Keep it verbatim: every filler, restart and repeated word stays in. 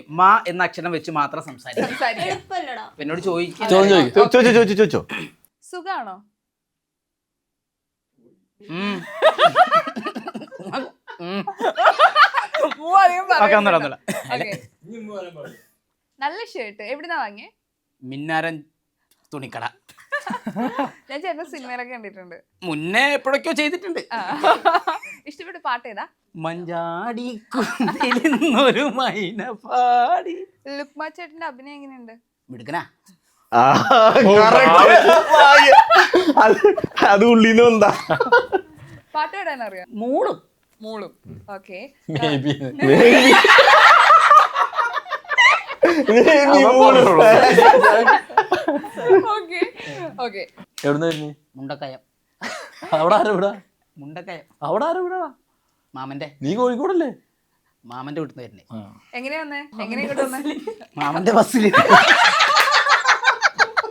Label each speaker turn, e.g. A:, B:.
A: മാ എന്ന അക്ഷരം വെച്ച് മാത്രം സംസാരിക്കും. എന്നോട് ചോദിക്കാം.
B: സുഖാണോ? നല്ല ഷർട്ട് എവിടുന്നാ വാങ്ങിയേ?
A: മിന്നാരൻ തുണിക്കട.
B: ഞാൻ ചേട്ടൻ സിനിമയിലൊക്കെ കണ്ടിട്ടുണ്ട്.
A: മുന്നേ എപ്പോഴൊക്കെയോ ചെയ്തിട്ടുണ്ട്.
B: ഇഷ്ടപ്പെട്ട പാട്ട് ഏതാ?
A: മഞ്ചാടി കുന്നിലിരുന്നൊരു മൈന പാടി.
B: ലുക്മാ ചേട്ടന്റെ അഭിനയം എങ്ങനെയുണ്ട്?
A: മിടുക്കനാ.
C: അത് ഉള്ളിന്ന് എന്താ
B: പാട്ട് പാടാൻ അറിയാം?
A: മൂളും
B: മൂളും. ഓക്കെ.
A: മുണ്ടക്കയം.
D: അവിടെ ആരാ വിടാ?
A: മുണ്ടക്കയം
D: അവിടെ ആരാ വിടാ?
A: മാമന്റെ.
D: നീ കോഴിക്കോടല്ലേ?
A: മാമന്റെ വീട്ടിൽ നിന്ന് വരുന്നേ.
B: എങ്ങനെയാ വന്നേ? എങ്ങനെയാ ഇങ്ങോട്ട് വന്നേ?
A: മാമന്റെ ബസ്സിൽ.